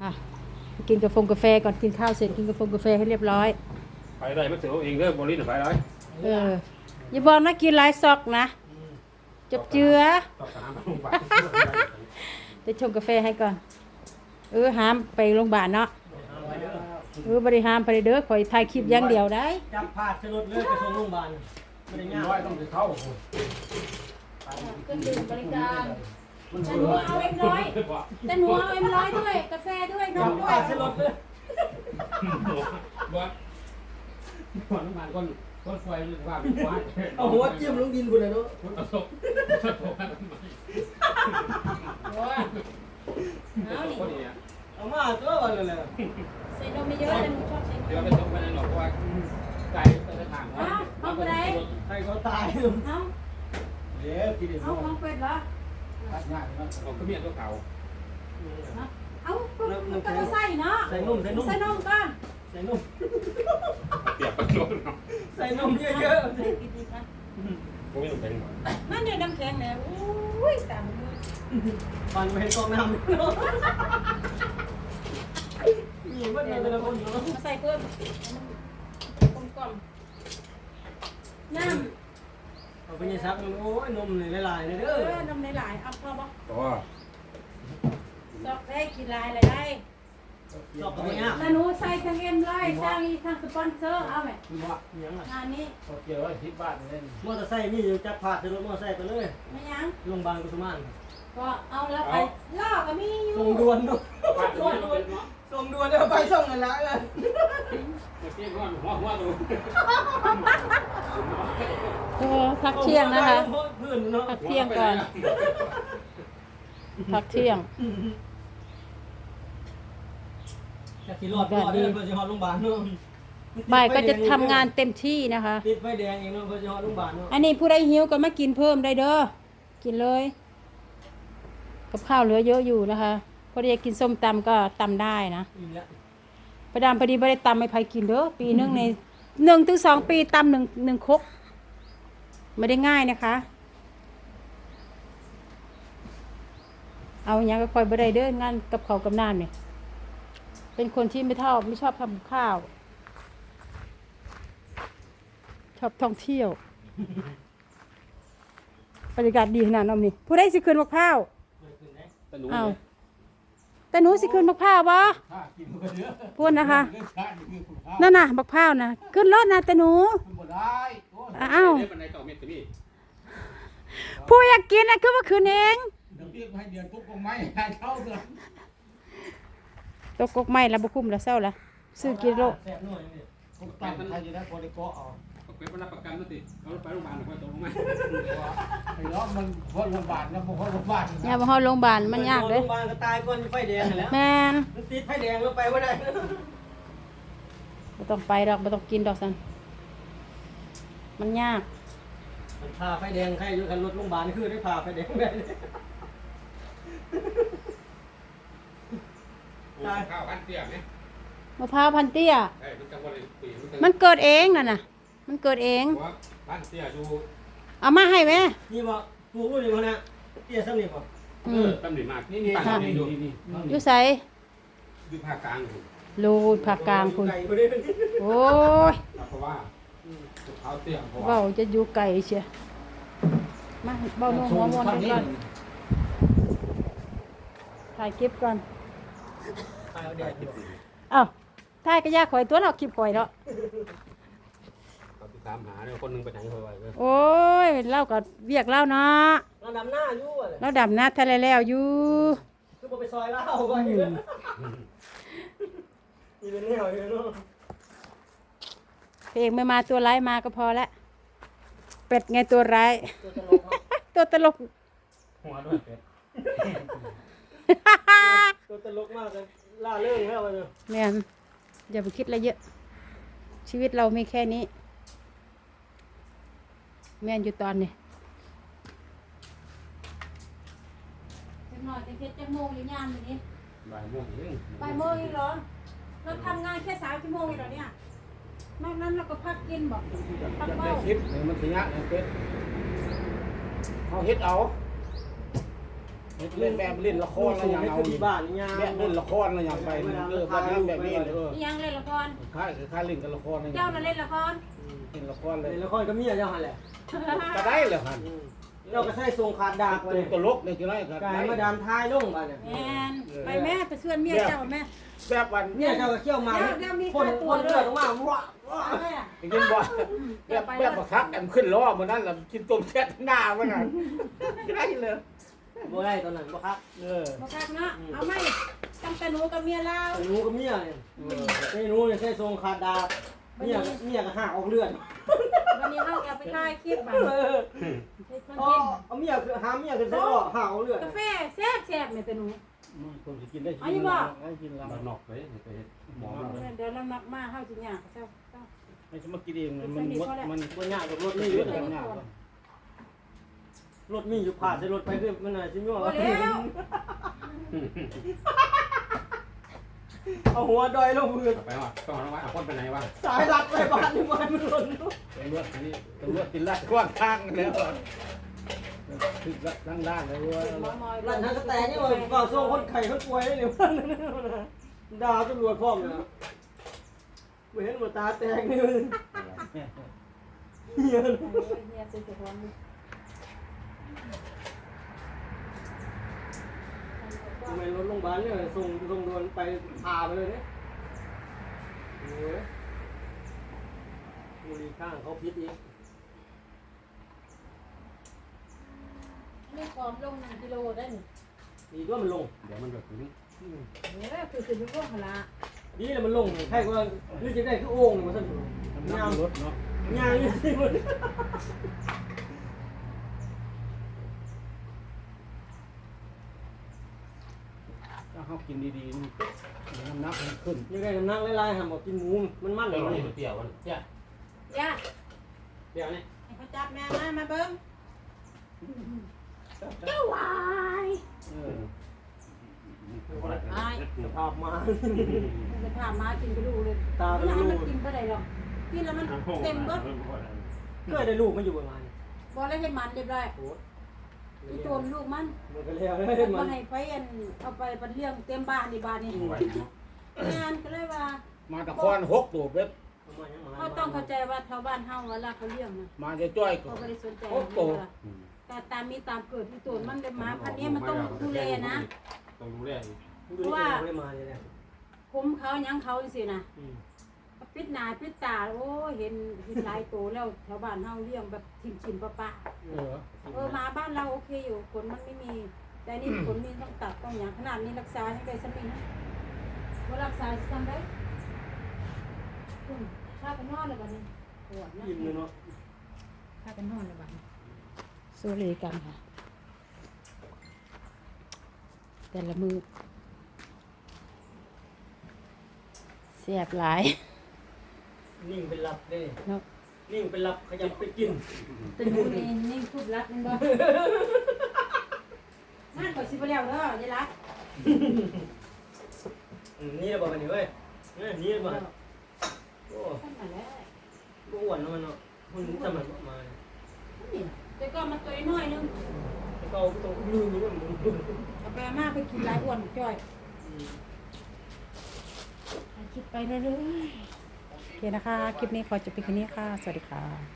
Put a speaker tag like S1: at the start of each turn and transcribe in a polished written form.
S1: อ่ะกินกาแฟก่อนกินข้าวเสร็จกินกาแฟให้เรียบร้อย
S2: ไปได้ไม่เสียเองเด้อบริษัทไปได้
S1: อย่าบอกนะกินหลายซอกนะจบเจือเดี๋ยวชงกาแฟให้ก่อนห้ามไปโรงพยาบาลเนาะบริหารไปเด้อคอยถ่ายคลิปอย่างเดียวได้
S3: จับผาดสลดเลยไปส่งโรงพยาบาลไม่ได้ง่าย
S2: ต้องไปเข้า
S1: เครื่องดื่มบริการแต่หนูเอาเอ็มร้อยแต่หนูเอาเอ็มร้อยด้วยกาแฟด้วยนมด้วย
S3: สลดเลย
S2: ว่าก่อนน้ำมันก้นไฟว่าเป็นควาย
S3: เอาหัวจิ้มลงดินคุณเลยเนาะ
S2: เอาศพ
S1: เอาดิ
S3: เอามาตัววันเลย
S1: ใส่นมไม่เยอะแต่หนูชอบใส่นม
S2: เดี๋ยวไปส่งไปในหนองเพราะว่าไก่จะถามว่า
S1: เอาไปไหน
S3: ใครเขาตาย
S1: เอา
S3: เดี๋ยวกินเดี๋ยว
S1: เอาของเป็ดเหรอ
S2: ตัดง่ายนะผมก็เมียตัวเก่า
S1: เอาก็ใส่เนาะ
S3: ใส่นุ่มก่อน
S1: ใส่นุ่ม
S2: เปียกไปโดน
S3: ใส่นมเยอะ
S1: ๆใส่ดีๆนะ
S2: ผมไม่ต้องเป็น
S1: นั่นเนี่ยน้ำแข็งเนี่ยอุ้ยตามมือ
S3: ฟันไปกองน้ำนี่มันเป็นอะไรคนเนาะ
S1: มาใส่เพิ่มกลมน้
S3: ำเอาไปยี่ซักโอ้ยนมเลยลายเลยเด้
S1: อนมหลายๆเอาพอบ่
S2: ตัว
S1: ซอกได้กี่ลายอะไรได้
S3: ชอบตัวเนี้ย
S1: แล้วหนูใส่ทั้งเอ็มร้อยทั้งสปอนเซอร์เอาไหม
S3: ยังไง
S1: งานนี้
S2: เกี่ยวว่า10 บาทเล่น
S3: มอเตอร์ไซค์นี่อยู่จับผาดสลดมอเตอร์ไซค์ไปเลย
S1: ไม่ยัง
S3: โรงพยาบาลกุสุมาน
S1: ก็เอาแล้วไปล่อก็มีอยู่
S3: ส่งด่วนเนาะส่งด่วนเดี๋ยวไปส่งกันแล้วเลย
S1: พักเที่ยงนะคะพักเที่ยงก่อนพักเที่ยง
S3: จะขี่รอดดีเพื่อจะหอดโรงพยาบาลเนาะ
S1: บ่ายก็จะทำงานเต็มที่นะคะ
S3: ติดไฟแดงเองเนาะเพื่อจะหอดโรงพยาบาลเนาะ
S1: อันนี้ผู้ใดหิวก็มากินเพิ่มได้เด้อกินเลยกับข้าวเหลือเยอะอยู่นะคะพอดีกินส้มตำก็ตำได้นะประดามพอดีไม่ได้ตำไม่ไผกินเด้อปีนึงใน1 ถึง 2 ปีตำหนึ่งครกไม่ได้ง่ายนะคะเอาอย่างก็คอยบ่ได้เด้องานกับเขากับน้ำเนี่ยเป็นคนที่ไม่ชอบทำข้าวชอบท่องเที่ยวบรรยากาศดีขนาดนั้นนี่ผู้ใดสิคืนมะพร้าวเอาแต่หนูสิคืนมะพร้าวบ่พูดนะคะนั่นน่ะมะพร้าวนะขึ้นรถนะแต่หนูอ้าวผู้อยากกินนะคือว่าคืนเองตกกกไม้แล้วบุคุ้มแล้วเศร้าละซื้อกิโล
S2: เป็นประกันนั่นสิเขาไปโรงพยาบาลหรือว่าตรงไหม
S3: ไอ้ล้อมันพอโรงพยาบาลแล้วพอโรงพยาบาล
S1: อย่ามาเข้าโรงพยาบาลมันยากเลย
S3: โรงพยาบาลก็ตายก่อนไฟแดงแล้ว
S1: แมน
S3: มันติดไฟแดงแล้วไปไม่ได้
S1: ไม่ต้องไปดอกไม่ต้องกินดอกสันมันยาก
S3: มันพาไฟแดงใครอยู่กันรถโรงพยาบาลคือได้พาไฟแดงได้
S2: ข้าวพันเตี้ยไหม
S1: มะพร้าวพันเตี้ยมันเกิดเองน่ะมันเกิดเอง
S2: พันเตี้ยดู
S1: เอามาให้ไหม
S3: นี่บ่ปลูกลูกนี่บ่นะเตี้ยซ้ำนี่บ่
S2: ตำหนิมากนี่ตั้งนี่ดู
S1: อยู่ใส่
S2: อยู่ภาคกลาง
S1: รูภาคกลางคุณโอ้ย
S2: เพราะว่าเขาเตี้ย
S1: เบาจะอยู่ไกลเชียมาเบาหนูหัวมวนกันก่อนถ่ายคลิปก่อนอ้าวถ่ายก็ยากข่อยตัวเนาะคลิปข่อยเนาะ
S2: ตามหาเนี่ยคนนึงไปไหนเขาไว้
S1: โอ้ยเล่ากับเวียกเล่าเนาะ
S3: เราดำหน้าอยู่
S1: เราดำหน้าทะเลแล้วอยู่
S3: คือไปซอยเล่าก่อนอยู่มีเป็นแนวอยู่เนาะ
S1: เพลงไม่มาตัวร้ายมาก็พอแล้วเป็ดไงตัวร้ายตัวตลก
S2: หัวด้วยเป็ด
S3: ตัวตลกมากเลยล่าเรื่องแล้วเลย
S1: แม่อย่าไปคิดอะไรเยอะชีวิตเรามีแค่นี้แม่อยู่ตอนนี้เป็นหน่อยเป็นจะโมงอยู่ยามอย่างนี้
S2: บ่ายโมงเอง
S1: บ่ายโมงอีกเหรอเราทำงานแค่3 ชั่วโมงเองเหรอเนี่ยนอกนั้นเราก็พักกินบอกพักเมา
S2: คลิปมันเสียเป็ดเขาเฮ็ดเอา
S4: เล่นแบบเล่นละครอะไรอย่าง
S3: ให้
S4: เอา
S3: ขึ้นที่บ้านนี่ยา
S4: เล่นละครอะไรอย่างไปแบบนั้นแบบนี้
S1: นี่ยังเล่นละคร
S4: ค่าเล่นกับละคร
S1: เจ้าน่ะเล่นละคร
S4: เล่นละครเลย
S3: ในละครก็เมียเจ้าหันแหละ
S4: ก็ได้เลยครับ
S3: เราก็ใส่ทรงขาดดากไป
S4: ตลกเลยจะได้ครับ
S3: กายมาดามท้ายลงบ้านเนี่ย
S1: แอนไปแม่ไปชวนเมียเจ้าแม่
S4: แบบวัน
S3: เนี่ยเจ้าก็เขี้ยวมาคนเลือดออกมาว้า
S4: กินบ่แบบบักคักแอมขึ้นล้อมันนั่นแหละกินต้มแซ่บหน้ามันน่ะได้เลย
S3: บ่ได้ตอนนั้นบ่ครับ
S1: มาคักเนาะเอาไหมตั้งแต่หนูกับเมียเรา
S3: หนูกับเมียเนี่ยไอ้หนูเนี่ยใส่ทรงขาดดากเมียก็หักออกเลือด
S1: วันนี้เราเอาไปถ่ายคลิปบ้าง
S3: เอาเมียคือหาเมียคือใส่หักออกเลือด
S1: กาแฟแซ่บแซ่บเนี่ยแต่หนู
S4: คนจะกินได้กินได้กินแล้ว
S2: บ้านนอกไปไปหมอ
S1: เดี๋ยวเรามักมาเข้าจริงอย่างเจ้า
S4: ไม่ใช่มากินเองมัน
S3: บ่ยากกับรถนี่อยู่
S4: กันยาก
S3: รถมีอยู่ผ่านใส่รถไปคือมันน่ะสิมีว่าเอาหัวดอยลงพื้น
S2: ไปว่าต้องระวังคนไปไหนวะ
S3: สายรัดไปบ้านนี่มันหล่น
S4: ตำรวจนี่ตำรวจกินลาดกว้างข้างแล้วถึงล่างเลยว่า
S3: ร้านนั้นก็แต่นี่ว่าก่อส่งคนไข้คนป่วยได้เนี่ยดาวตำรวจพร้อมเลยไม่เห็นหมดตาแตกนี่เฮีย
S1: เฮียซื้อของ
S3: ทำไมรถโรงพยาบาลเนี่ยส่งด่วนไปพาไปเลยเนี่ยโอ้ยบุรีข้างเขาพิษอีก
S1: ไม่พร้อมลง1 กิโลได้หนิ
S3: ดีด้วยมันลง
S2: เดี๋ยวมันแบบนี้
S1: คือขึ้นอยู่พวกหละ
S3: ดีเลยมันลงใช่ก็หรือจะได้คือโอ่งมันสั่น
S4: น้ำรถเนาะ
S3: งานนี่สิมัน
S4: ถ้าเขากินดีๆนี่น้ำหนักมันขึ้น
S3: ยังไงน้ำหนักไล่ๆหำบอกกินหมูมันมัน
S2: เดี๋
S3: เลย
S2: วย เราเปรี้ยวมันเปรี้ยว
S1: ย่า
S2: เปรี้ยวนี่
S1: ให้เขาจับแม่มาเบิ้งเจ้าวาย
S3: สภาพมา
S1: จะพามากินกระดูกเลย
S3: ตา
S1: ไม่
S3: เป็น
S1: ให้
S3: ลู
S1: มัน
S3: ก
S1: กินไปได้หรอกกินแล้วมันเต็มเบิด
S3: เคยได้ลูกมันอยู่ประมาณ
S1: บอกแล้วให้มันเรียบร้อย
S3: โอ้
S1: อีโจนลูกมัน
S3: มันก็แล้วเลย
S1: มั
S3: มัน น
S1: ให้ไปเอาไปบัดเลี้ยงเต็มบ้านนี่บ้านนี่งานก็เลยว่า
S4: มาตะคอน6ตัวเบ็ด
S1: เขาต้องเข้าใจว่าชาวบ้านเฮาเวลาเขาเลี้ยงนะ
S4: มาจะจ้อยก็
S1: เขาไม่ได้สนใจแต่ตามมีตามเกิดที่โจนมันได้มาพันนี้มันต้องดูแลนะ
S2: ต้องดูแล
S3: เพราะว่าไม่มาเลยเนี่ย
S1: ผมเขายังเขาสินะปิดหน้าปิดตาโอ้เห็นหลายตัวแล้วแถวบ้านเฮาเลี้ยงแบบชิมๆปะมาบ้านเราโอเคอยู่ผลมันไม่มีแต่นี่ผลมีต้องตัดต้องอย่างขนาดนี้รักษาให้ได้สักปีนะว่ารักษาทำได้ถ้ากันนอนเลยบ้านี้ปวดนะ
S3: ยิ้มเลยเนาะ
S1: ถ้ากันนอนเลยบ้านี้สู้เลยกันค่ะแต่ละมือแซ่บหลาย
S3: นิ่งเป็นหลับเลย
S1: เนาะ
S3: นิ่งเป็นหลับขยับไปกิน
S1: ตื่นนี่นี่พูดรักนั่นบ่งานก่อนสิบแล้วเด้อยายรัก
S3: นี่เราบอกกันนี่เว้ยนี่เราบอกโอ้
S1: ขึ้นมาแล้ว
S3: อ้วนแล้วมันเนาะมันสมันมา
S1: นี่แต่ก็มันตัวน้อยนึง
S3: แล้วก็ต้องลืมนี่มัน
S1: เอาไปมาไปกินหลายอ้วนจ้อยคิดไปเรื่อยๆโอเคนะคะ คลิปนี้ขอจบเพียงแค่นี้ค่ะ สวัสดีค่ะ